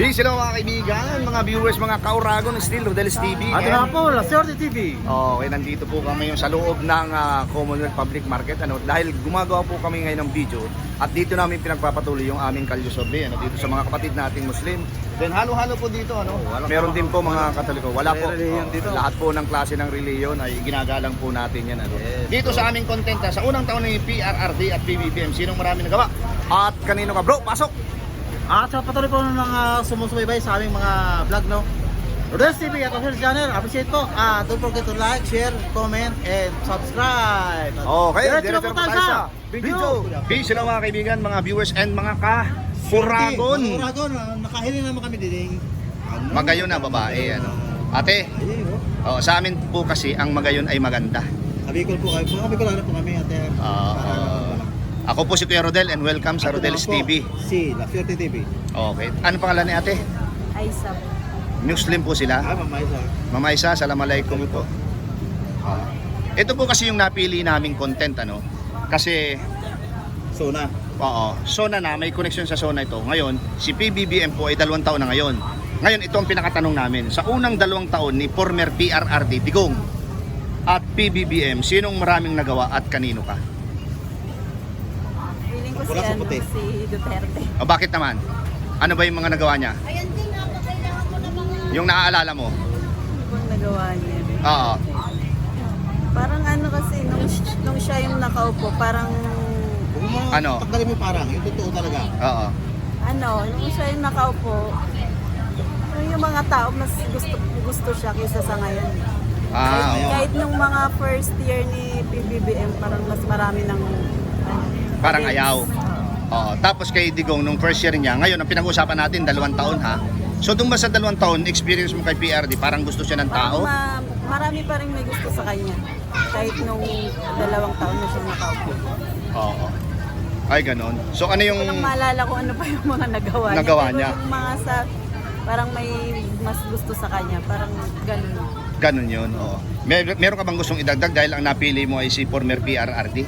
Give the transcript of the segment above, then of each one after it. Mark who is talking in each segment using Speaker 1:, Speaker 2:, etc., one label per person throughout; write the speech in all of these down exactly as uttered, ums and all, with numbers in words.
Speaker 1: Peace hello mga kaibigan, mga viewers, mga kauragon, still Rodel's T V.
Speaker 2: At nga po, La Suerte T V.
Speaker 1: Okay, nandito po kami yung sa loob ng uh, Commonwealth Public Market, ano, dahil gumagawa po kami ngayon ng video at dito namin pinagpapatuloy yung aming kalye survey, ano, dito sa mga kapatid nating Muslim. Then halo-halo po dito, ano, meron din po mga Katoliko. Wala po,
Speaker 2: reliyon dito.
Speaker 1: lahat po ng klase ng reliyon ay ginagalang po natin yan, ano.
Speaker 2: Yes,
Speaker 1: Dito sa aming content, ha, sa unang taon ng P R R D at P B B M, sinong marami nagawa? At kanino ka, bro? Pasok!
Speaker 2: At sa patuloy po ng mga sumusubaybay sa aming mga vlog, no? Rodel's T V at Official Channel, appreciate po. Ah, don't forget to like, share, comment, and subscribe.
Speaker 1: Okay,
Speaker 2: Diretso
Speaker 1: diretso
Speaker 2: po
Speaker 1: po
Speaker 2: tayo
Speaker 1: tayo
Speaker 2: sa
Speaker 1: sa video. Peace hello mga kaibigan, mga viewers and mga ka-Uragon.
Speaker 2: Mga Uragon, ah, nakahili naman kami dining. Ano?
Speaker 1: Magayon na babae, ano. Ate,
Speaker 2: Ayun, oh.
Speaker 1: oh, sa amin po kasi ang magayon ay maganda.
Speaker 2: Sabi ko po kayo, mga Bicolano po kami, ate.
Speaker 1: Oo. Ako po si Kuya Rodel and welcome sa Rodel's T V.
Speaker 2: Si La Suerte T V.
Speaker 1: Okay. Ano pangalan ni ate?
Speaker 3: Aisa.
Speaker 1: Muslim po sila.
Speaker 2: Ah, mamay sa.
Speaker 1: Mama Isa, Assalamualaikum po. Ah. Ito po kasi yung napili naming content, ano. Kasi,
Speaker 2: Sona.
Speaker 1: oo, Sona na, may connection sa Sona ito. Ngayon, si P B B M po ay dalawang taon na ngayon. Ngayon, ito ang pinakatanong namin. Sa unang dalawang taon ni former P R R D Digong at P B B M, sinong maraming nagawa at kanino ka?
Speaker 3: Feeling ko si,
Speaker 2: Wala sa
Speaker 3: ano,
Speaker 2: puti.
Speaker 3: si Duterte.
Speaker 1: O bakit naman? Ano ba yung mga nagawa niya?
Speaker 3: Ayan din nga po, kailangan ko na mga...
Speaker 1: Yung naaalala mo?
Speaker 3: Ano bang nagawa niya?
Speaker 1: Oo.
Speaker 3: Parang ano kasi, nung, nung siya yung nakaupo, parang...
Speaker 2: Kung mga
Speaker 1: Ano?
Speaker 2: tanggalin mo parang, yung totoo talaga.
Speaker 1: Oo.
Speaker 3: Ano, nung siya yung nakaupo, yung mga tao mas gusto gusto siya kaysa sa ngayon.
Speaker 1: Ah,
Speaker 3: kahit,
Speaker 1: oo.
Speaker 3: kahit nung mga first year ni P B B M, parang mas marami ng... ano,
Speaker 1: Parang
Speaker 3: against.
Speaker 1: ayaw.
Speaker 3: Oo.
Speaker 1: Oo. Tapos kay Digong, nung first year niya, ngayon ang pinag-uusapan natin, dalawang taon ha. So doon ba sa dalawang taon, experience mo kay P R D, parang gusto siya ng
Speaker 3: Parang
Speaker 1: tao?
Speaker 3: ma- marami pa rin may gusto sa kanya. Kahit nung dalawang taon na siya nakaupo.
Speaker 1: Oo. Ay, ganon. So ano yung...
Speaker 3: Walang maalala ko ano pa yung mga nagawa niya.
Speaker 1: Nagawa
Speaker 3: Pero
Speaker 1: niya.
Speaker 3: yung mga sa, parang may mas gusto sa kanya. Parang ganun.
Speaker 1: Ganon yun, oo. Mer meron ka bang gustong idagdag dahil ang napili mo ay si former P R R D?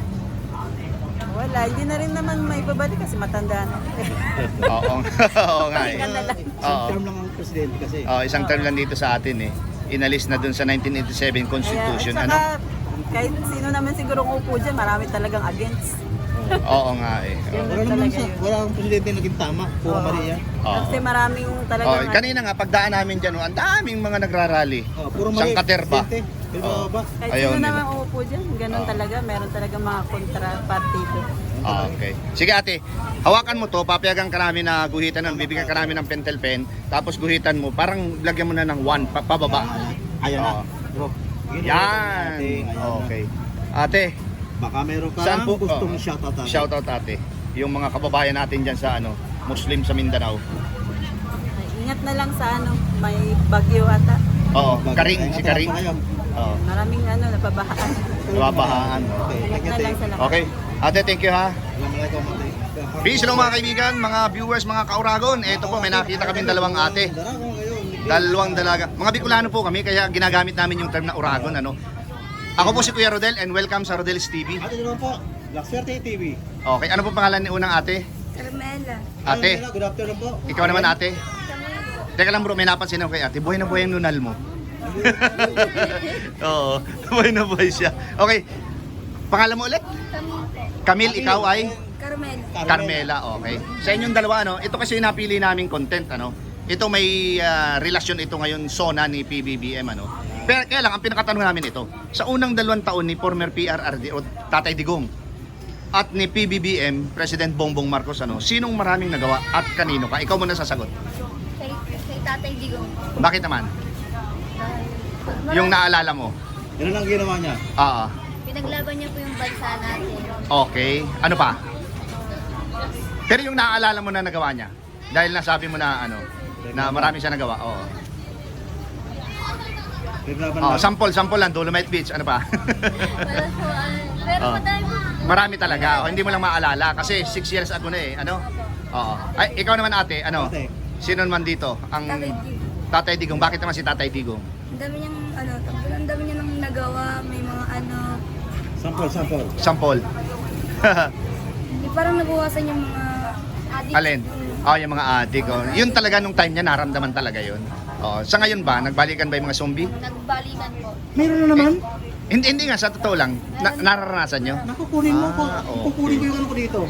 Speaker 3: Wala, hindi na rin naman may babalik kasi matanda na.
Speaker 1: Oo. Oo nga eh.
Speaker 3: Pahinga na lang.
Speaker 1: Oo.
Speaker 2: Isang term lang ang presidente kasi.
Speaker 1: Oh, isang term lang dito sa atin eh. Inalis na dun sa nineteen eighty-seven Constitution.
Speaker 3: Kaya, at
Speaker 1: Ano?
Speaker 3: saka, kahit sino naman siguro upo dyan, marami talagang against.
Speaker 1: Oo nga eh.
Speaker 3: Yun
Speaker 2: Wala
Speaker 3: lang
Speaker 2: naman
Speaker 3: talaga
Speaker 2: sa,
Speaker 3: yun.
Speaker 2: wala akong presidente na naging tama. Puro
Speaker 3: Oo.
Speaker 2: Maria.
Speaker 1: Oo.
Speaker 3: Kasi maraming
Speaker 1: Oh,
Speaker 3: talagang...
Speaker 1: kanina nga pagdaan namin diyan, oh, ang daming mga nagrarally.
Speaker 2: Oh, puro
Speaker 1: Isang
Speaker 2: Maria.
Speaker 1: katerba.
Speaker 2: presidente. Pero
Speaker 1: Oo.
Speaker 2: ba?
Speaker 3: kahit
Speaker 1: ayaw
Speaker 3: sino
Speaker 1: nila.
Speaker 3: naman uupo dyan, ganun
Speaker 1: Oo.
Speaker 3: talaga. Meron talaga mga kontra-partido.
Speaker 1: Ah, okay. Sige ate, hawakan mo to, papayagan ka namin na guhitan nun, bibigyan ka namin ng pentel pen, tapos guhitan mo, parang lagyan mo na ng one, pa pababa.
Speaker 2: Ayan na.
Speaker 1: Oo.
Speaker 2: Bro. Yun,
Speaker 1: Yan!
Speaker 2: ate, ayan na.
Speaker 1: Okay. Ate,
Speaker 2: Baka meron ka
Speaker 1: saan po?
Speaker 2: gustong
Speaker 1: oh,
Speaker 2: shoutout ate.
Speaker 1: Shoutout ate. Yung mga kababayan natin dyan sa ano, Muslim sa Mindanao.
Speaker 3: Ay, ingat na lang sa ano, may bagyo ata.
Speaker 1: Oo,
Speaker 2: Baka-
Speaker 1: Karing,
Speaker 2: ayan,
Speaker 1: si
Speaker 2: tara
Speaker 1: Karing.
Speaker 2: pa kayo.
Speaker 1: Oo,
Speaker 3: Maraming ano, napabahaan.
Speaker 1: nababahaan.
Speaker 2: Okay,
Speaker 3: Ingat
Speaker 2: thank you,
Speaker 3: na lang
Speaker 2: ate.
Speaker 3: sa lahat.
Speaker 1: Okay, ate, thank you ha.
Speaker 2: Assalamualaikum, ate.
Speaker 1: Peace hello mga kaibigan, mga viewers, mga kauragon. Ito po, may nakita kami dalawang ate.
Speaker 2: Darako ngayon.
Speaker 1: Dalawang dalaga. Mga Bicolano po kami, kaya ginagamit namin yung term na uragon. Ano? Ako po si Kuya Rodel and welcome sa Rodel's T V.
Speaker 2: Ate, naman po. La Suerte T V.
Speaker 1: Okay, ano po pangalan ni unang ate?
Speaker 3: Carmela.
Speaker 1: Ate,
Speaker 2: Hello, good afternoon po.
Speaker 1: ikaw naman ate. Teka lang bro, may napansin ako kay ate. Buhay na buhay yung nunal mo. Oo, buhay na buhay siya. Okay, pangalan mo ulit? Camille, ikaw ay?
Speaker 3: Carmela.
Speaker 1: Carmela, okay. Sa inyong dalawa, ano, ito kasi yung napili naming content, ano. Ito may ah, relasyon ito ngayon, Sona ni P B B M, ano. Pero kaya lang, ang pinakatanong namin ito, sa unang dalawang taon ni former P R R D o Tatay Digong at ni P B B M, President Bongbong Marcos, ano, sinong maraming nagawa at kanino ka? Ikaw muna sasagot.
Speaker 4: Kay, kay Tatay Digong.
Speaker 1: Bakit naman?
Speaker 4: Dahil
Speaker 1: Yung naalala mo?
Speaker 2: Yan ang ginawa niya.
Speaker 1: Oo.
Speaker 4: pinaglaban niya po yung bansa natin.
Speaker 1: Okay. Ano pa? Pero yung naaalala mo na nagawa niya? Dahil nasabi mo na ano, na marami siya nagawa. Oo.
Speaker 2: Pinaglaban
Speaker 1: Oh,
Speaker 2: lang.
Speaker 1: sample, sample lang, Dolomite Beach, ano pa?
Speaker 4: Wala po, ah, pero
Speaker 1: Oh.
Speaker 4: madami po.
Speaker 1: Marami talaga. Oh, hindi mo lang maalala kasi six years ago na eh, ano? Oo. Ay, ikaw naman ate, ano?
Speaker 2: Ate.
Speaker 1: Sino naman dito? Ang
Speaker 4: Tatay Digong.
Speaker 1: Tatay Digong. Bakit naman si Tatay Digong?
Speaker 4: Ang dami niyang, ano, ang dami niya nang nagawa, may mga ano,
Speaker 2: Sample, sample.
Speaker 1: Sample.
Speaker 4: yung parang nabuwasan yung mga adik.
Speaker 1: Alin? Oh, yung mga adik. Oh. Yun talaga nung time niya, naramdaman talaga yun. Oh, sa ngayon ba, nagbalikan ba yung mga zombie?
Speaker 4: Nagbalikan po.
Speaker 2: Meron na naman.
Speaker 1: Hindi, hindi nga, sa totoo lang. Na, nararanasan nyo?
Speaker 2: Nakukunin mo po.
Speaker 1: Ah, okay.
Speaker 2: Kukunin ko yung ano ko dito.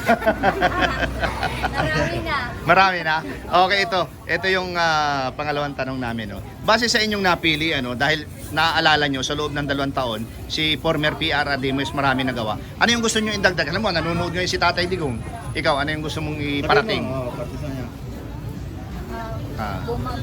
Speaker 4: Marami na.
Speaker 1: Marami na? Okay, ito. Ito yung ah, pangalawang tanong namin. No? Base sa inyong napili, ano, dahil naaalala nyo sa loob ng dalawang taon, si former P R R D mo is marami nagawa. Ano yung gusto nyo indagdag? Alam mo, nanonood ngayon si Tatay Digong. Ikaw, ano yung gusto mong iparating?
Speaker 2: Oo, partisan niya.
Speaker 1: Ah.
Speaker 4: Bumag.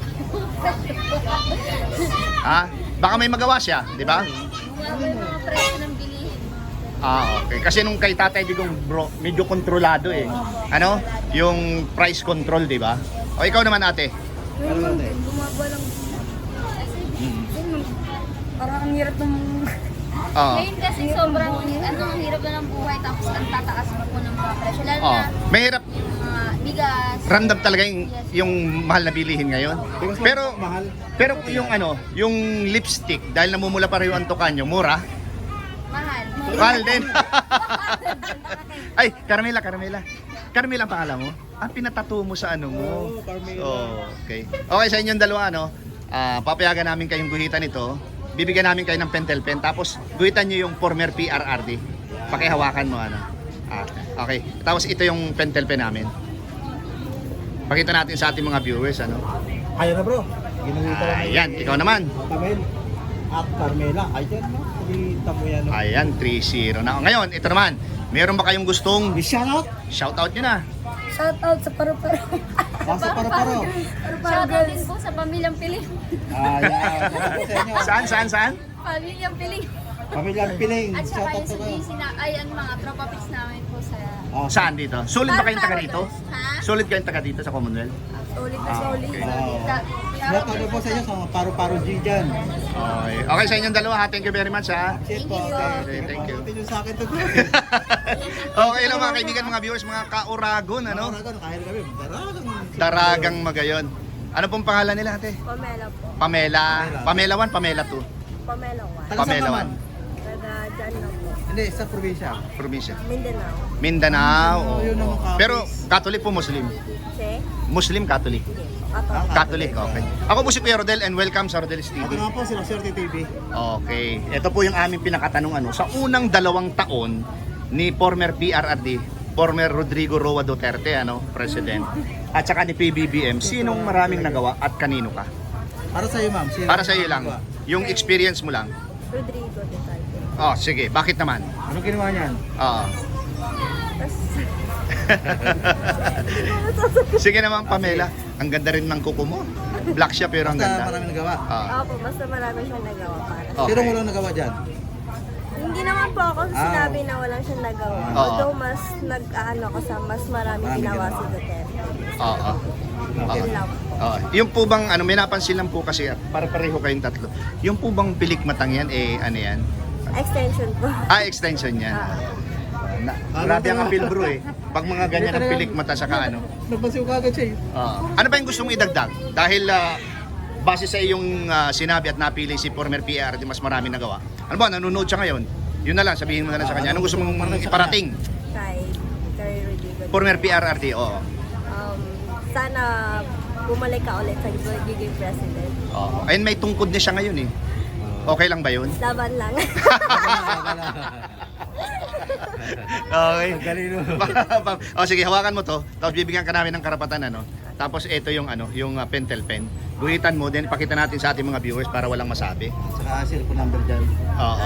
Speaker 1: Ha? Baka may magawa siya, di ba?
Speaker 4: Bumaba yung mga presyo ng bilihin.
Speaker 1: Ah, okay. Kasi nung kay Tatay Digong, bro, medyo kontrolado eh. Ano? Yung price control, di ba? O ikaw naman, ate.
Speaker 2: Ano ba ate?
Speaker 4: Bumaba lang.
Speaker 1: Mm.
Speaker 4: Yun, parang ang hirap ng...
Speaker 1: Oo.
Speaker 4: Ngayon kasi sobrang, ano, ang hirap na ng buhay tapos ang tataas mo po ng mga presyo. Lalo
Speaker 1: Oh,
Speaker 4: na
Speaker 1: mahirap.
Speaker 4: yung mga bigas.
Speaker 1: Random talaga yung, yung mahal na bilihin ngayon. Pero
Speaker 2: mahal.
Speaker 1: pero yung ano, yung lipstick dahil namumula pa rin yung antukan nyo, mura.
Speaker 4: Mahal.
Speaker 1: Mahal din. Ay, Carmela, Carmela. Carmela ang pangalan mo? Ang pinatato mo sa ano mo.
Speaker 2: Oo, Carmela.
Speaker 1: So, okay. Okay, sa inyong dalawa, ano, ah, papayagan namin kayong guhitan ito. Bibigyan namin kayo ng pentel pen. Tapos, guhitan nyo yung former P R R D. Pakihawakan mo, ano. Ah, okay. Tapos, ito yung pentel pen namin. Pakita natin sa ating mga viewers, ano.
Speaker 2: Ayan na bro. Ginamita lang.
Speaker 1: Ayan, ikaw naman.
Speaker 2: Kamel. At Carmela. Ayan no. Kita mo yan. No?
Speaker 1: Ayan, three zero na. Ngayon, ito naman. Meron ba kayong gustong
Speaker 2: Shout out.
Speaker 1: shoutout nyo na?
Speaker 4: Shout out sa paru-paro.
Speaker 2: Basta para paro.
Speaker 4: Shout out din po sa pamilyang piling.
Speaker 2: Ayan. Shout out sa inyo.
Speaker 1: Saan, saan, saan?
Speaker 4: Pamilyang piling.
Speaker 2: Pamilyang Piling.
Speaker 4: At
Speaker 2: Shout
Speaker 4: saka
Speaker 2: out
Speaker 4: yung
Speaker 2: sa
Speaker 4: sa
Speaker 2: kayo.
Speaker 4: D C na, ay, ang mga tropa pits namin po sa...
Speaker 2: Ah,
Speaker 1: Saan dito? Solid ba kayong taga dito?
Speaker 4: Ha?
Speaker 1: Solid kayong taga dito sa Commonwealth?
Speaker 4: Solid na
Speaker 1: Ah,
Speaker 4: solid.
Speaker 1: okay.
Speaker 4: Solid. Ta-
Speaker 2: Shout out po sa inyo sa mga paro-paro G dyan.
Speaker 1: Okay. Okay sa inyong dalawa ha. Thank you very much ha.
Speaker 2: Shit po.
Speaker 1: Okay, thank you.
Speaker 2: Pagkakutin nyo sa akin to.
Speaker 1: Okay lang mga kaibigan, mga viewers, mga kauragon, ano?
Speaker 2: Ano? Kahit kami. Daragang.
Speaker 1: Daragang magayon. Ano pong pangalan nila ate?
Speaker 3: Pamela po.
Speaker 1: Pamela. Pamela one, Pamela two.
Speaker 3: Pamela one.
Speaker 2: Taga saan
Speaker 1: Pamela
Speaker 2: naman?
Speaker 1: one.
Speaker 3: Taga dyan lang po.
Speaker 2: Hindi, sa probinsya.
Speaker 1: Probinsya.
Speaker 3: Mindanao.
Speaker 1: Mindanao.
Speaker 2: Oh, yun ang mga
Speaker 1: Pero Catholic po Muslim.
Speaker 3: Che?
Speaker 1: Muslim Catholic.
Speaker 3: Ato.
Speaker 1: Catholic, okay. Ako po si Kuya Rodel and welcome sa Rodel's T
Speaker 2: Ako
Speaker 1: V.
Speaker 2: naman po, sila Swerte T V.
Speaker 1: Okay. Ito po yung aming pinakatanong ano. Sa unang dalawang taon ni former P R R D, former Rodrigo Roa Duterte, ano, President, at saka ni P B B M, sinong maraming nagawa at kanino ka?
Speaker 2: Para sa iyo, ma'am. Sino-
Speaker 1: Para sa iyo lang. Yung experience mo lang.
Speaker 3: Rodrigo Duterte.
Speaker 1: Oh, sige. Bakit naman?
Speaker 2: Anong ginawa niyan?
Speaker 1: Oo.
Speaker 3: Tapos,
Speaker 1: Sige naman, Pamela. Ang ganda rin ng kuko mo. Black siya pero ang
Speaker 2: Basta
Speaker 1: ganda.
Speaker 2: maraming nagawa.
Speaker 1: Ah.
Speaker 3: opo, basta marami siyang nagawa para.
Speaker 1: Okay.
Speaker 2: Sino walang nagawa dyan?
Speaker 3: Hindi naman po ako
Speaker 2: Ah.
Speaker 3: sinabi na walang siyang nagawa.
Speaker 1: Oo.
Speaker 3: Although mas nag-ano ko sa mas marami
Speaker 2: Marami
Speaker 3: ginawa
Speaker 2: ginawa.
Speaker 3: si Duterte.
Speaker 1: Oo.
Speaker 2: Okay.
Speaker 3: Yun lang po.
Speaker 1: Oo. Yung po bang, ano, may napansin lang po kasi, at para pareho kayong tatlo. Yung po bang pilikmatang yan, eh, ano yan?
Speaker 3: Extension po.
Speaker 1: Ah, extension yan.
Speaker 3: Ah.
Speaker 1: Na, grabe ang appeal bro eh. Pag mga ganyan ang pilikmata sa ano.
Speaker 2: Nagbasiw ka agad siya eh.
Speaker 1: Oo. Ano ba yung gusto mong idagdag? Dahil ah, base sa iyong ah, sinabi at napili si former P R D, mas marami nagawa. Ano ba, nanonood siya ngayon? Yun na lang, sabihin mo na lang sa kanya. Anong gusto mong iparating?
Speaker 3: Kay, kay Rodrigo.
Speaker 1: Former P R R D, oo.
Speaker 3: Um, sana bumalik ka ulit sa giging president.
Speaker 1: Oo. Ayun, may tungkod na siya ngayon eh. Okay lang ba yun?
Speaker 3: Laban lang.
Speaker 1: Okay.
Speaker 2: Galino.
Speaker 1: O sige, hawakan mo to. Tapos bibigyan ka namin ng karapatan ano. Tapos ito yung ano, yung uh, pentel pen. Guhitan mo din, pakita natin sa ating mga viewers para walang masabi.
Speaker 2: Saka cellphone number dyan.
Speaker 1: Oo.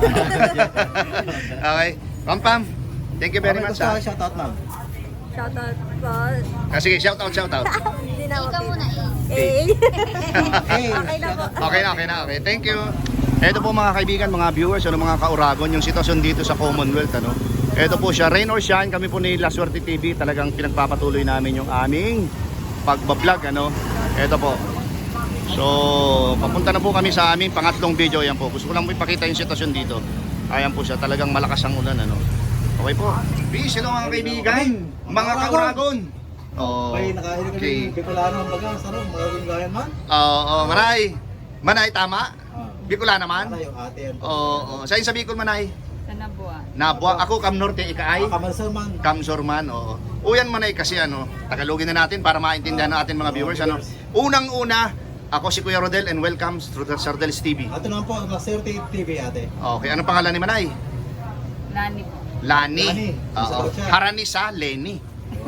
Speaker 1: Okay. Pam Pam. Thank you very much. Ha.
Speaker 2: Shout out, ma'am.
Speaker 3: Shoutout po.
Speaker 1: Ah, sige, shout out, shout out.
Speaker 3: Hindi na ako.
Speaker 4: Ikaw muna eh.
Speaker 3: Eh.
Speaker 2: Hey.
Speaker 3: Okay na po.
Speaker 1: Okay na, okay na, okay. Thank you. Ito po mga kaibigan, mga viewers, ano, mga kauragon, yung sitwasyon dito sa Commonwealth, ano. Ito po siya, rain or shine, kami po ni La Suerte T V, talagang pinagpapatuloy namin yung aming pagbablog, ano. Ito po. So, papunta na po kami sa aming pangatlong video, yan po. Gusto ko lang po ipakita yung sitwasyon dito. Ayan po siya, talagang malakas ang ulan, ano. Okay po. Peace, hello mga kaibigan, mga kauragon. Oh,
Speaker 2: Bay, nakahilig kami
Speaker 1: okay.
Speaker 2: ng Bicolano ang baga. Sarap, magagawin gayan man.
Speaker 1: Oo, oh, Manay. Manay, tama?
Speaker 2: Ah.
Speaker 1: Bicol naman?
Speaker 2: Para yung ate yan.
Speaker 1: Oo, oh, Sa'yo sa Bicol, Manay?
Speaker 3: Sa Nabua.
Speaker 1: Nabua. Ako, Cam Norte, Ikaay.
Speaker 2: Kamalsal man.
Speaker 1: Cam Sorman, oo. Uyan Manay kasi ano, Tagalogin na natin para maintindihan ng ating mga viewers ano. Unang-una, ako si Kuya Rodel and welcome to the Sardeles T V.
Speaker 2: Ate naman po, na Serte T V ate.
Speaker 1: Okay, anong pangalan ni Manay?
Speaker 4: Lani po.
Speaker 1: Lani.
Speaker 2: Lani.
Speaker 1: Oo.
Speaker 2: Sagot siya.
Speaker 1: Harani sa Lenny.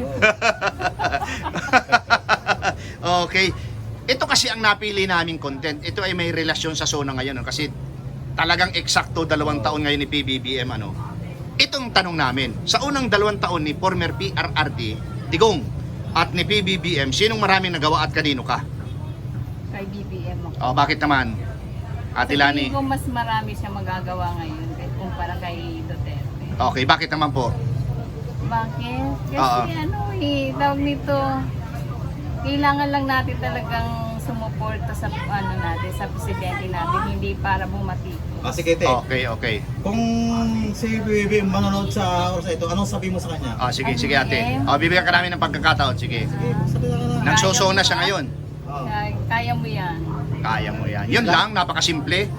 Speaker 1: Okay. Ito kasi ang napili naming content. Ito ay may relasyon sa Sona ngayon. No? Kasi talagang eksakto dalawang taon ngayon ni P B B M. Ano? Itong tanong namin. Sa unang dalawang taon ni former P R R D, Digong, at ni P B B M, sinong maraming nagawa at kanino ka?
Speaker 4: Kay B B M ako.
Speaker 1: Oh, bakit naman? Ate
Speaker 4: Sa
Speaker 1: Lani.
Speaker 4: tingin ko mas marami siya magagawa ngayon kahit kumpara kay Duterte.
Speaker 1: Okay, bakit naman po?
Speaker 4: Bakit? Kasi
Speaker 1: Oo.
Speaker 4: ano eh, tawag nito, kailangan lang natin talagang sumuporta sa ano natin, sa presidente natin, hindi para bumati.
Speaker 2: Ah, sige, te.
Speaker 1: Okay, okay.
Speaker 2: Kung si B B M manonood sa oras na ito, anong sabi mo sa kanya?
Speaker 1: Ah, sige, sige ate. Oh, bibigyan ka namin ng pagkakataon. Sige.
Speaker 2: Sige, sabi na ka na.
Speaker 1: Nagsosona siya ngayon.
Speaker 2: Oo.
Speaker 4: Kaya, kaya mo yan.
Speaker 1: Kaya mo yan. Yun lang, napakasimple.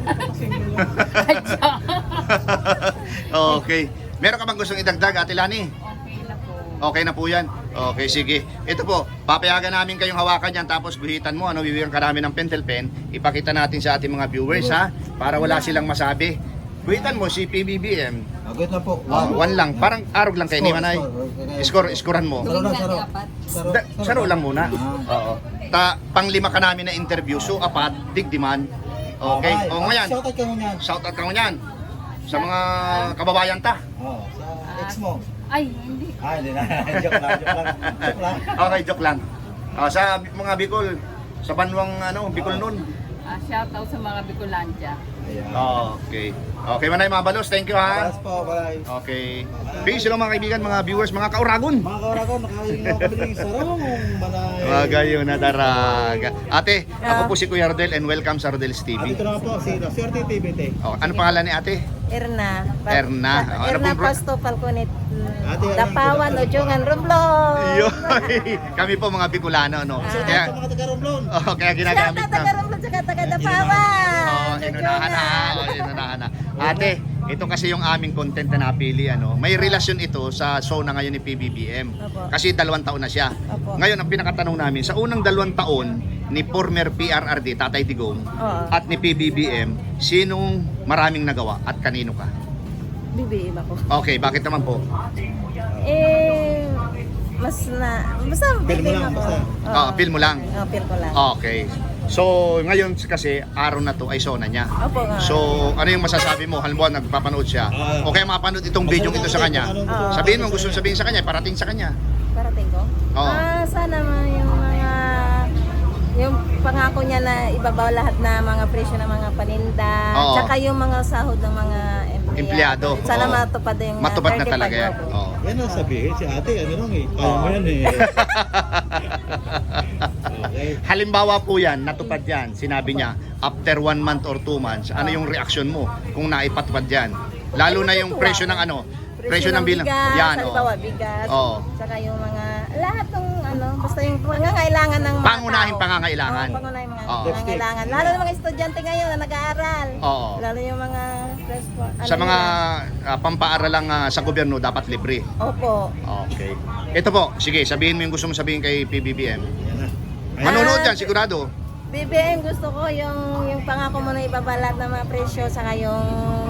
Speaker 1: Okay. Meron ka bang gustong idagdag, Ate Lani?
Speaker 4: Okay na po.
Speaker 1: Okay na po yan. Okay, sige. Ito po, papayagan namin kayong hawakan yan tapos guhitan mo. Ano, bibigyan ka namin ng pentel pen. Ipakita natin sa ating mga viewers, ha? Para wala silang masabi. Guhitan mo si P B B M.
Speaker 2: Agad na po.
Speaker 1: Oh, one lang. Parang arog lang kayo ni Manay. Score, scorean mo.
Speaker 2: Saro na, saro. Saro,
Speaker 1: Da, saro lang muna. Oo. Ta, panglima ka namin na interview. So, apat, digdiman. Okay? O, ngayon.
Speaker 2: Shoutout ka mo niyan.
Speaker 1: Shout out ka mo yan. Sa mga kababayan ta.
Speaker 2: Oo, sa ex mo.
Speaker 4: Ay, hindi.
Speaker 2: Ah, hindi na. Joke lang, joke lang. Joke lang.
Speaker 1: Okay, joke lang. Ah, sa mga Bicol, sa banwang ano, Bicol noon.
Speaker 4: Ah, shout out sa mga Bicolandia.
Speaker 2: Ayan.
Speaker 1: Okay. Okay, Manay mga balos. Thank you ha.
Speaker 2: Paras po, bye.
Speaker 1: Okay. Peace hello mga kaibigan, mga viewers, mga kauragon.
Speaker 2: Mga kauragon, nakahiling ako kami ng sarong manay.
Speaker 1: Magayo na daraga. Ate, ako po si Kuya Rodel and welcome sa Rodel's T
Speaker 2: At
Speaker 1: V.
Speaker 2: ito na po, si Swerte T V, te.
Speaker 1: Oh, ano pangalan ni ate?
Speaker 5: Erna.
Speaker 1: Erna. Ano
Speaker 5: Erna
Speaker 1: pong bro-
Speaker 5: Pasto Falconet.
Speaker 2: Ate, Erna,
Speaker 5: Dapawan,
Speaker 2: Dapawan.
Speaker 5: Ojongan, Romblon.
Speaker 1: Yoy! Kami po mga Bicolano, no?
Speaker 5: Ah.
Speaker 2: Sa
Speaker 1: Kaya,
Speaker 2: mga taga-Romblon.
Speaker 1: oh, kaya
Speaker 5: Shout
Speaker 1: ginagamit
Speaker 5: out taga
Speaker 1: na.
Speaker 5: Romblon, saka taga Dapawan.
Speaker 1: Oh, inunahan na. Oh, inunahan na. Ate, ito kasi yung aming content na napili, ano. May relasyon ito sa show na ngayon ni P B B M.
Speaker 5: Opo.
Speaker 1: Kasi dalawang taon na siya.
Speaker 5: Opo.
Speaker 1: Ngayon, ang pinakatanong namin, sa unang dalawang taon ni former P R R D, Tatay Digong,
Speaker 5: Oo.
Speaker 1: at ni P B B M, sinong maraming nagawa at kanino ka?
Speaker 5: B B M ako.
Speaker 1: Okay, bakit naman po?
Speaker 5: Eh, mas na, basta B
Speaker 2: Feel
Speaker 5: B
Speaker 2: mo
Speaker 5: M
Speaker 2: lang,
Speaker 5: ako.
Speaker 2: basta.
Speaker 5: Oo.
Speaker 1: Ah, feel mo lang?
Speaker 5: Oo, feel ko lang.
Speaker 1: Okay. So, ngayon kasi araw na to ay sona niya.
Speaker 5: Opo nga.
Speaker 1: So, ano yung masasabi mo? Halimbawa, nagpapanood siya.
Speaker 2: Ah.
Speaker 1: O kaya mapanood itong video ito sa kanya.
Speaker 5: Ah.
Speaker 1: Sabihin mo, gusto sabihin sa kanya, parating sa kanya.
Speaker 5: Parating ko?
Speaker 1: Oo.
Speaker 5: Ah, sana man yung mga yung pangako niya na ibabaw lahat na mga presyo ng mga paninda,
Speaker 1: Oo.
Speaker 5: tsaka yung mga sahod ng mga empleyado.
Speaker 1: Empleyado.
Speaker 5: Sana
Speaker 1: Oo.
Speaker 5: matupad yung
Speaker 1: Matupad na
Speaker 5: thirty-five
Speaker 1: talaga yan.
Speaker 5: opo.
Speaker 1: Oo.
Speaker 2: Yan ang sabihin si ate, ano lang eh. Kaya mo yan eh. Okay.
Speaker 1: Halimbawa po yan, natupad yan. Sinabi niya, after one month or two months, ano yung reaction mo kung naipatupad yan? Lalo na yung presyo ng ano, presyo ng bilang.
Speaker 5: bigas,
Speaker 1: Yan,
Speaker 5: halimbawa
Speaker 1: oh.
Speaker 5: bigas,
Speaker 1: Oo.
Speaker 5: tsaka yung mga, lahat ng ano, basta yung pangangailangan ng mga
Speaker 1: Pangunahing
Speaker 5: tao.
Speaker 1: pangangailangan.
Speaker 5: Oo, pangunahing mga
Speaker 1: Oo.
Speaker 5: pangangailangan. Lalo ng mga estudyante ngayon na nag-aaral.
Speaker 1: Oo.
Speaker 5: Lalo yung mga respo-
Speaker 1: Sa
Speaker 5: ano
Speaker 1: mga
Speaker 5: nila.
Speaker 1: uh, pampaaralang ah, sa gobyerno, dapat libre.
Speaker 5: Opo.
Speaker 1: Okay. Ito po, sige, sabihin mo yung gusto mo sabihin kay P B B M.
Speaker 2: Yan na.
Speaker 1: Manonood
Speaker 5: Ah,
Speaker 1: yan, sigurado.
Speaker 5: B B M, gusto ko yung yung pangako mo na ibabalat ng mga presyo, saka yung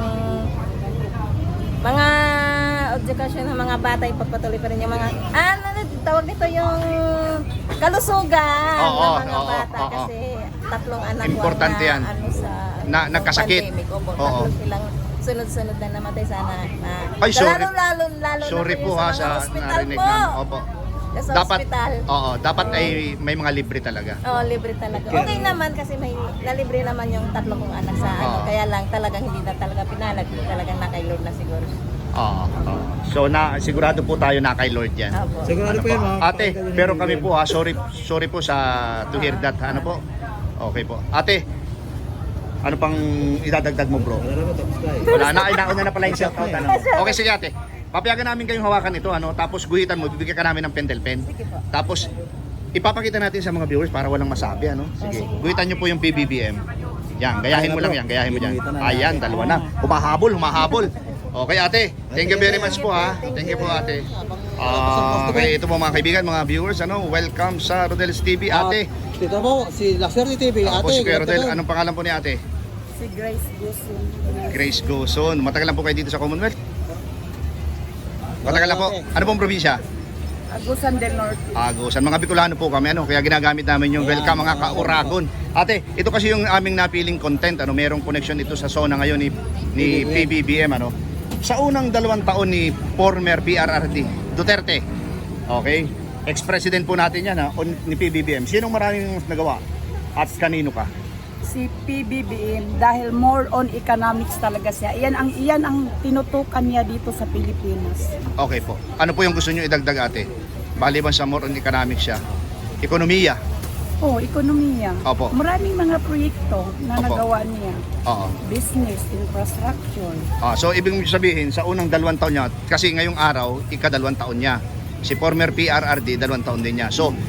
Speaker 5: mga edukasyon ng mga bata, ipagpatuloy pa rin yung mga, ano, tawag nito yung kalusugan
Speaker 1: Oo,
Speaker 5: ng mga
Speaker 1: oo,
Speaker 5: bata
Speaker 1: oo.
Speaker 5: kasi tatlong anak ko
Speaker 1: Importante
Speaker 5: na,
Speaker 1: yan.
Speaker 5: ano, sa
Speaker 1: Na-
Speaker 5: nung
Speaker 1: nagkasakit.
Speaker 5: pandemic. Opo,
Speaker 1: Oo.
Speaker 5: tatlo silang sunod-sunod na namatay sana. Na,
Speaker 1: Ay, sorry.
Speaker 5: Lalo, lalo, lalo
Speaker 1: Sorry
Speaker 5: na
Speaker 1: po
Speaker 5: yung
Speaker 1: ha
Speaker 5: mga
Speaker 1: sa
Speaker 5: hospital
Speaker 1: narinig
Speaker 5: po.
Speaker 1: na. Opo.
Speaker 5: Sa
Speaker 1: Dapat,
Speaker 5: hospital.
Speaker 1: oo, dapat ay may mga libre talaga.
Speaker 5: Oo, libre talaga. Okay naman kasi may nalibre naman yung tatlo kong anak sa ano.
Speaker 1: Oo.
Speaker 5: Kaya lang talagang hindi na talaga pinalag. Talagang nakailod na siguro.
Speaker 1: Oo. oo. So na sigurado po tayo na kay Lord yan.
Speaker 5: Opo.
Speaker 2: Sigurado
Speaker 1: Ano
Speaker 2: po
Speaker 1: po?
Speaker 2: yan mga
Speaker 1: Ate,
Speaker 2: kapatid
Speaker 1: pero
Speaker 2: ni
Speaker 1: kami
Speaker 2: B B M.
Speaker 1: po ha, sorry sorry po sa to hear that. Ano po? Okay po. Ate, ano pang idadagdag mo, bro?
Speaker 2: Wala naman, tapos na eh.
Speaker 1: Wala na, ay nauna na pala yung shoutout. Ano? Okay, sige ate. Papayagan namin kayong hawakan ito, ano? Tapos guhitan mo, bibigyan ka namin ng pentel pen.
Speaker 5: Sige po.
Speaker 1: Tapos ipapakita natin sa mga viewers para walang masabi, ano? Sige. Guhitan niyo po yung P B B M. Yan, gayahin mo lang yan, gayahin mo yan. Ayan, dalawa na. Humahabol, humahabol. Okay ate, thank you very much po ha. Thank you po ate. Ah, okay, ito po mga kaibigan, mga viewers, ano, welcome sa Rodel's T V, ate.
Speaker 2: At dito po, si La Suerte T V.
Speaker 1: Ako po
Speaker 2: Ate,
Speaker 1: si Kuya
Speaker 2: good
Speaker 1: Rodel,
Speaker 2: afternoon.
Speaker 1: anong pangalan po ni ate?
Speaker 3: Si Grace Gusun.
Speaker 1: Grace Goson. Matagal lang po kayo dito sa Commonwealth? Matagal lang po. Ano pong probinsya?
Speaker 3: Agusan del Norte.
Speaker 1: Agusan. Mga Bicolano po kami, ano, kaya ginagamit namin yung welcome mga ka-Uragon. Ate, ito kasi yung aming napiling content, ano, merong connection ito sa zona ngayon ni, ni P B B M, ano. Sa unang dalawang taon ni former P R R D Duterte, okay, ex-president po natin yan, ha, on, ni P B B M. Sinong maraming nagawa? At kanino ka?
Speaker 6: Si P B B M dahil more on economics talaga siya. Iyan ang iyan ang tinutukan niya dito sa Pilipinas.
Speaker 1: Okay po. Ano po yung gusto nyo idagdag, ate? Baliban sa more on economics siya. Ekonomiya.
Speaker 6: Oh, ekonomiya.
Speaker 1: Opo.
Speaker 6: Maraming mga proyekto na
Speaker 1: Opo.
Speaker 6: nagawa niya.
Speaker 1: Oo.
Speaker 6: Business, infrastructure.
Speaker 1: Ah, so ibig sabihin sa unang dalawang taon niya, kasi ngayong araw ikadalawang taon niya. Si former P R R D dalawang taon din niya. So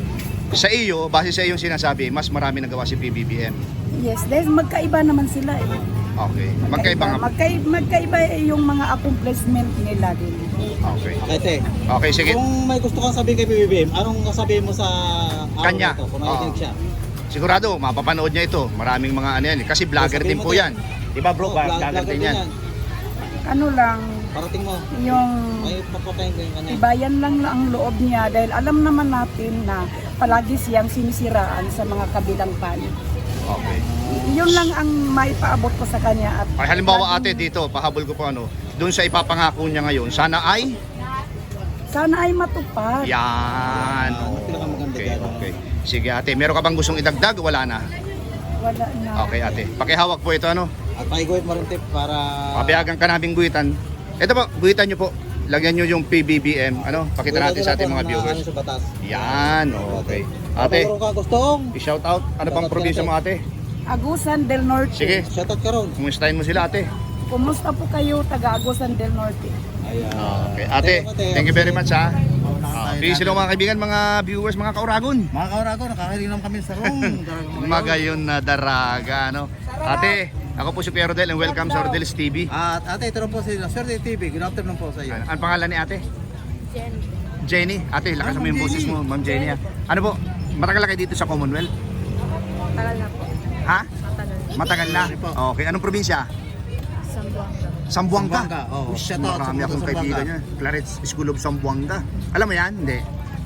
Speaker 1: sa iyo, base sa iyong sinasabi, mas marami nagawa si P B B M.
Speaker 6: Yes, dahil magkaiba naman sila eh.
Speaker 1: Okay. Magkaiba nga.
Speaker 6: Magkaiba, magkaiba eh yung mga accomplishment nila din.
Speaker 1: Okay.
Speaker 2: Ate,
Speaker 1: Okay, sige.
Speaker 2: kung may gusto kang sabihin kay P B B M, anong sasabihin mo sa araw
Speaker 1: Kanya.
Speaker 2: na ito, kung
Speaker 1: Oo.
Speaker 2: nakikinig siya?
Speaker 1: Sigurado mapapanood niya ito. Maraming mga ano yan, kasi vlogger
Speaker 2: Sabihin
Speaker 1: din
Speaker 2: mo
Speaker 1: po
Speaker 2: to.
Speaker 1: yan. Di ba bro,
Speaker 2: Oo,
Speaker 1: vlogger,
Speaker 2: vlog- vlogger
Speaker 1: din yan.
Speaker 6: Ano lang,
Speaker 2: Parating mo,
Speaker 6: yung
Speaker 2: may papatayin ko yung kanya.
Speaker 6: ibayan lang na ang loob niya dahil alam naman natin na palagi siyang sinisiraan sa mga kabilang panig.
Speaker 1: Okay.
Speaker 6: Yun lang ang maipaabot ko sa kanya at
Speaker 1: Ay, halimbawa ate dito, pahabol ko po ano, doon sa ipapangako niya ngayon, sana ay
Speaker 6: sana ay matupad.
Speaker 1: yan.
Speaker 2: Ano pinakamaganda
Speaker 1: Okay,
Speaker 2: dyan?
Speaker 1: okay. Sige ate, meron ka bang gustong idagdag? Wala na.
Speaker 6: Wala na.
Speaker 1: Okay ate, pakihawak po ito ano.
Speaker 2: At paiguhit mo rin tip para...
Speaker 1: Papayagan ka naming guhitan. Ito po, guhitan nyo po. Lagyan nyo yung P B B M. Ano? Pakita natin sa ating mga viewers.
Speaker 2: Sa batas.
Speaker 1: Yan, okay. Ate,
Speaker 2: Kung ka gustong,
Speaker 1: i-shout out. Ano bang probinsya mo ate?
Speaker 6: Agusan del Norte.
Speaker 1: Sige,
Speaker 2: shoutout ka ron.
Speaker 1: kumustahin mo sila ate.
Speaker 6: Kumusta po kayo taga Agusan del Norte?
Speaker 2: Ayan.
Speaker 1: Okay, ate, thank you very much ha. Uh, peace hello mga kaibigan, mga viewers, mga kauragon.
Speaker 2: Mga kaurago, nakakahiling lang kami sa room.
Speaker 1: Magayon na daraga, ano? Ate, ako po si Kuya Rodel and welcome sa Rodel's T V.
Speaker 2: At ate, ito rin po si La Suerte T V. Good afternoon po sa iyo.
Speaker 1: Ano, ang pangalan ni ate?
Speaker 5: Jen.
Speaker 1: Jenny. Ate, lakas
Speaker 2: Ah,
Speaker 1: mo yung
Speaker 2: Ma'am
Speaker 1: boses
Speaker 2: Jenny.
Speaker 1: mo, Ma'am Jenny. ah. Ano po, matagal na kayo dito sa Commonwealth?
Speaker 5: Tagal na po.
Speaker 1: Ha?
Speaker 5: Matagal.
Speaker 1: Matagal na?
Speaker 2: Sorry po.
Speaker 1: Okay, anong probinsya?
Speaker 5: Sambuanga.
Speaker 1: Sambuanga.
Speaker 2: Sambuanga, oo.
Speaker 1: Ush,
Speaker 2: Shout out
Speaker 1: marami
Speaker 2: sa
Speaker 1: akong
Speaker 2: mga
Speaker 1: kaibigan
Speaker 2: Sambuanga.
Speaker 1: niya. Clarence School of Sambuanga. Alam mo yan? Hindi.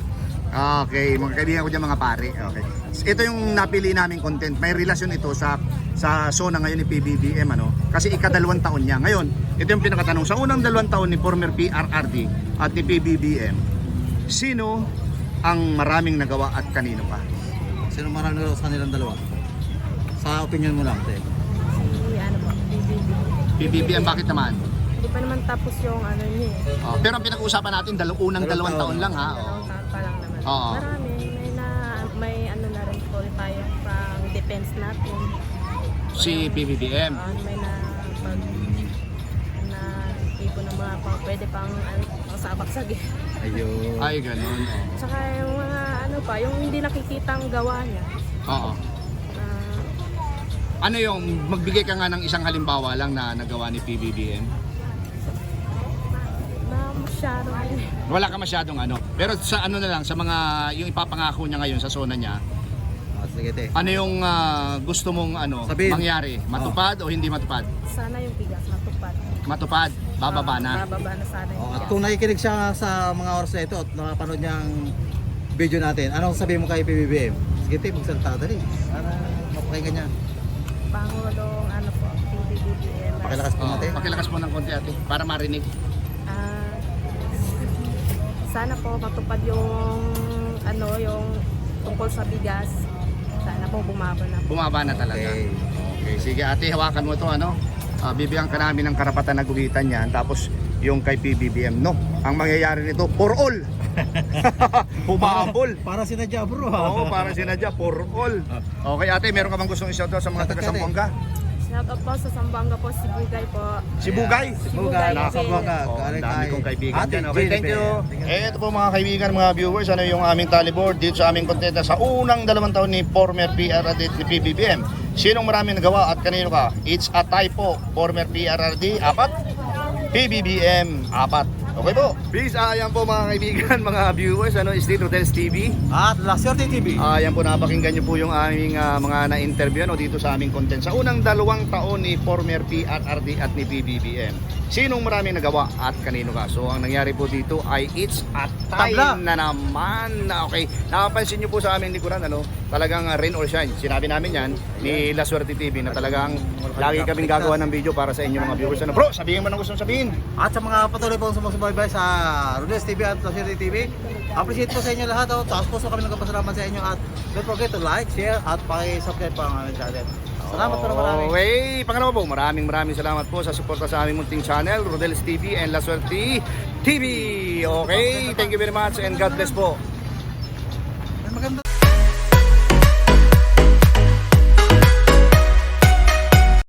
Speaker 1: Okay, mga kaibigan ko dyan mga pare. Okay. Ito yung napili naming content. May relasyon ito sa sa zona ngayon ni P B B M, ano? Kasi ikadalawang taon niya. Ngayon, ito yung pinakatanong. Sa unang dalawang taon ni former P R R D at ni P B B M, sino ang maraming nagawa at kanino pa?
Speaker 2: Sino marami na sa kanilang dalawa? Sa opinion mo lang, ate.
Speaker 5: Si ano po, B B B.
Speaker 1: P B B M, bakit naman?
Speaker 5: Hindi pa naman tapos yung ano niya eh.
Speaker 1: Oh, pero ang pinag-uusapan natin, dalaw unang dalawang taon lang ha.
Speaker 5: Dalawang
Speaker 1: Oh.
Speaker 5: taon pa lang naman.
Speaker 1: Oo.
Speaker 5: Marami. May na, may ano na rin po tayo pang defense natin.
Speaker 1: Si P B B M.
Speaker 5: Ah, may na pag na tipo ng mga pang pwede pang ano, pang sabaksag eh.
Speaker 2: Ayun.
Speaker 1: Ay, ganun. Oh.
Speaker 5: Tsaka yung mga ano pa, yung hindi nakikitang gawa niya.
Speaker 1: Oo.
Speaker 5: Ah,
Speaker 1: Ano yung magbigay ka nga ng isang halimbawa lang na nagawa ni P B B M?
Speaker 5: na masyado rin.
Speaker 1: Wala ka masyadong ano. Pero sa ano na lang, sa mga yung ipapangako niya ngayon sa zona niya,
Speaker 2: Ah, sige, ate.
Speaker 1: ano yung ah, gusto mong ano
Speaker 2: Sabihin.
Speaker 1: mangyari? Matupad o hindi matupad?
Speaker 5: Sana yung bigas matupad.
Speaker 1: Matupad, bababa na.
Speaker 5: Ah, bababa na sana yung
Speaker 2: Oh, at
Speaker 5: bigas.
Speaker 2: kung nakikinig siya sa mga oras na ito at nakapanood niya ang video natin, anong sabihin mo kay P B B M? Sige, ate, magsalita dali. Para mapakinggan niya.
Speaker 5: Pangulong ano po, P B B M.
Speaker 2: Pakilakas po
Speaker 1: Oh,
Speaker 2: natin.
Speaker 1: pakilakas mo ng konti ate para marinig.
Speaker 5: Ah, sana po matupad yung ano, yung tungkol sa bigas. Sana po bumaba na po.
Speaker 1: Bumaba na talaga.
Speaker 2: Okay.
Speaker 1: Okay, sige ate, hawakan mo to ano. Ah, bibigyan ka namin ng karapatan na guhitan yan. Tapos yung kay P B B M, no. Ang mangyayari nito, for all. Humabol.
Speaker 2: Para sinadya, bro.
Speaker 1: Oo, parang sinadya, for all. Okay ate, meron ka bang gustong i-shout out sa mga taga Sambuanga?
Speaker 5: Shout out po sa Sambanga po, si Bugay po.
Speaker 1: Si Bugay.
Speaker 2: Bugay,
Speaker 5: Bugay.
Speaker 2: Sambuanga.
Speaker 1: Oh, ang
Speaker 2: Galing
Speaker 1: dami
Speaker 2: kay
Speaker 1: kong kaibigan
Speaker 2: Ate
Speaker 1: dyan. Okay, thank you.
Speaker 2: Jennifer.
Speaker 1: Eh, ito po mga kaibigan, mga viewers, ano yung aming tally board dito sa aming kontenta sa unang dalawang taon ni former P R R D at ni P B B M. Sinong maraming nagawa at kanino ka? It's a typo. Former P R R D, apat. P B B M, apat. Okay po. Peace. Ah, yan po mga kaibigan, mga viewers, ano, is dito Rodels T V.
Speaker 2: At La Suerte T V.
Speaker 1: Ah, yan po, napakinggan niyo po yung aming ah, mga na-interview no, dito sa aming content. Sa unang dalawang taon ni former P R R D at ni P B B M. Sinong maraming nagawa at kanino ka? So, ang nangyari po dito ay it's a time
Speaker 2: Tabla.
Speaker 1: na naman. Okay, nakapansin niyo po sa aming likuran, ano, talagang ah, rain or shine. Sinabi namin yan ni La Suerte T V na talagang lagi kaming gagawa ng video para sa inyo mga viewers. Ano, bro, sabihin mo na gusto mong sabihin.
Speaker 2: At sa mga patuloy pong sumusubaybay sa Rodels T V at La Suerte T V, appreciate po sa inyo lahat. Oh. Taas po so kami nagpapasalamat sa inyo at don't forget to like, share at paki-subscribe po ang aming channel. Salamat po na marami.
Speaker 1: Okay, pangalawa po, maraming maraming salamat po sa suporta sa aming munting channel, Rodels T V and La Suerte T V. Okay, thank you very much and God bless po.